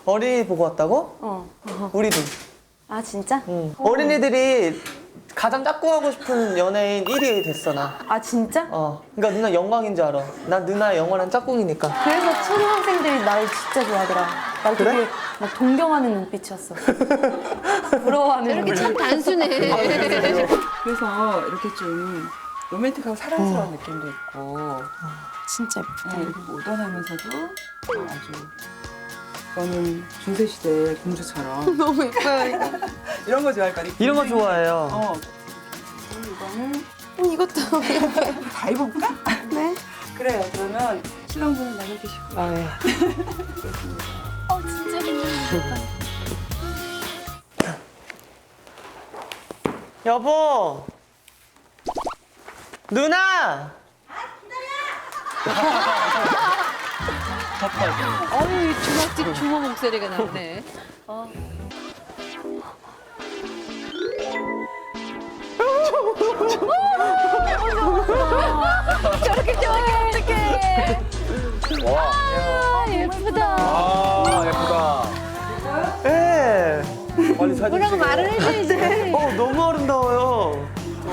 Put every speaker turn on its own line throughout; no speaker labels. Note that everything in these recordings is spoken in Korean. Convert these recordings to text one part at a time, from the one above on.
어린이 보고 왔다고? 우리도.
아 진짜?
응. 어린이들이 가장 짝꿍하고 싶은 연예인 1위 됐어 나.
아 진짜?
그러니까 누나 영광인 줄 알아. 난 누나의 영원한 짝꿍이니까.
그래서 초등학생들이 나를 진짜 좋아하더라. 날
그래?
되게 막 동경하는 눈빛이었어. 부러워하는
이렇게
눈빛.
참 단순해.
그래서 이렇게 좀 로맨틱하고 사랑스러운 느낌도 있고
진짜 예쁘다.
이렇게 모던하면서도 아주 너는 중세시대 공주처럼
너무 예뻐요 이거.
이런 거 좋아할 거니?
이런 거 좋아해요.
이거는
이것도 예뻐요.
다 입어볼까?
네.
그래요. 그러면 신랑분은 나가 계시고
아, 예.
진짜 귀여워.
여보. 누나.
어유 주먹집 주모 목소리가 나오네. 저렇게 좋아해 어떡해. 아 예쁘다.
아, 예쁘다.
예.
빨리 사진
뭐라고
찍어.
말을 해줘야지.
너무 아름다워요.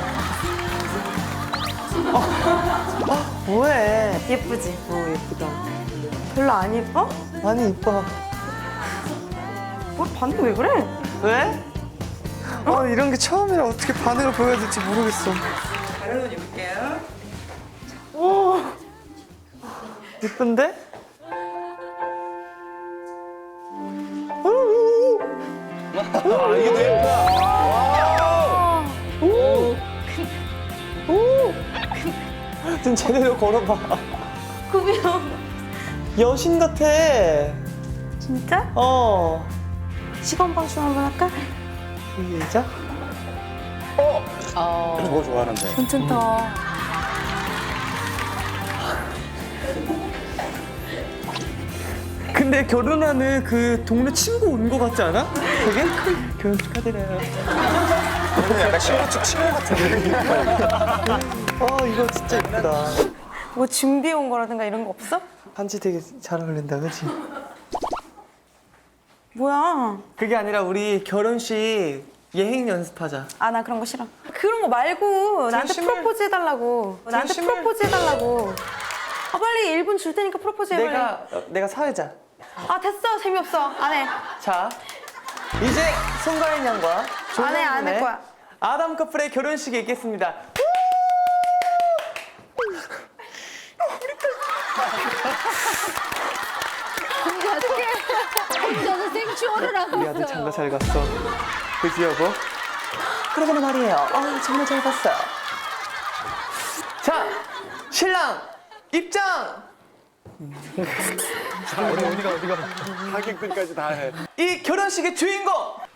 뭐해?
예쁘지?
예쁘다.
별로 안 예뻐?
많이 이뻐.
뭐 반응 왜 그래?
왜? 이런 게 처음이라 어떻게 반응을 보여야 될지 모르겠어.
다른 옷 입을게요.
예쁜데?
아, 이게 더 예쁘다.
좀 제대로 걸어봐.
구비야.
여신 같아.
진짜? 시간 방송 한번 할까?
시작.
저거 좋아하는데.
괜찮다.
근데 결혼하는 그 동네 친구 온 거 같지 않아? 되게? 결혼 축하드려요.
약간 친구 측 친구 같은데.
이거 진짜 예쁘다.
뭐 준비해 온 거라든가 이런 거 없어?
반지 되게 잘 어울린다, 그치?
뭐야?
그게 아니라 우리 결혼식 예행 연습하자.
아 나 그런 거 싫어. 그런 거 말고 나한테
진심을-
프로포즈 해달라고. 나한테
진심을-
프로포즈 해달라고. 빨리 1분 줄 테니까 프로포즈 해.
내가 사회자.
아 됐어 재미없어 안 해.
자, 이제 송가인 양과
안 해, 안
조성문의
할 거야.
아담 커플의 결혼식이 있겠습니다.
혼자서 생쇼를 하고
우리 아들
있어요.
장가 잘 갔어. 그지 여보? 그러거나 말이에요. 정말 잘 갔어요. 자, 신랑 입장!
자, 어디가. 하객들까지 다 해.
이 결혼식의 주인공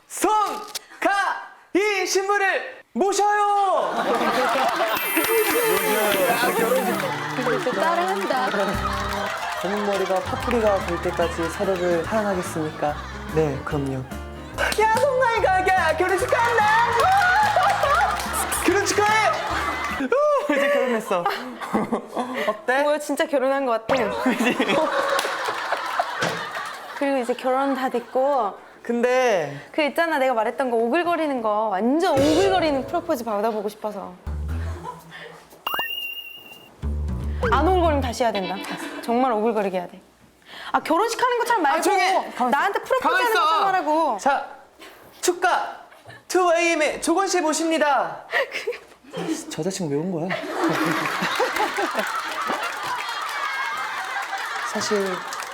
송가인 신부를 모셔요.
또 따라한다.
검은 머리가 파뿌리가 볼 때까지 서로를 사랑하겠습니까? 네, 그럼요. 야, 송가인가 결혼식 간다. 결혼 축하해. 이제 결혼했어. 어때?
뭐야 진짜 결혼한 것 같아. 그리고 이제 결혼 다 됐고
근데
그 있잖아 내가 말했던 거 오글거리는 거 완전 오글거리는 프로포즈 받아보고 싶어서. 안 오글거리면 다시 해야 된다. 정말 오글거리게 해야 돼. 아 결혼식 하는 것처럼 말고
조용히!
나한테 프로포즈
가만
하는
있어.
것처럼 하라고.
자, 축가 2AM의 조건 씨 모십니다. 저 자식 왜 온 거야? 사실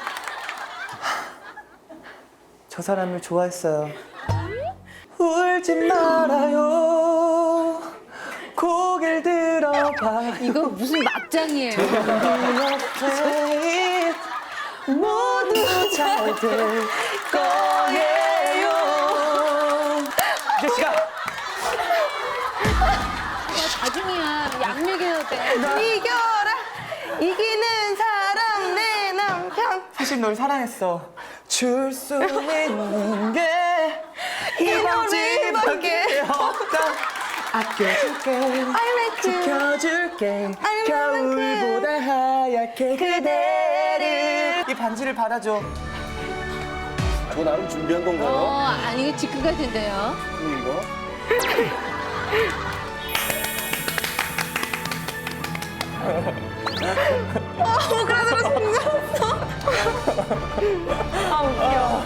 저 사람을 좋아했어요. 울지 말아요. 고개를 들어봐.
이거 무슨 막장이에요.
옆에 모두 잘 될 거예요. 이제 시간.
나중이야 약 먹여야 돼.
이겨라 이기는 사람 내 남편.
사실 널 사랑했어. 줄 수 있는 게 이번지밖에 없다. 아껴줄게,
I like you.
지켜줄게.
I love you.
겨울보다 하얗게 그대를. 이 반지를 받아줘.
저 나름 준비한 건가요?
아니 이거 지금 같은데요.
이거?
아 웃겨.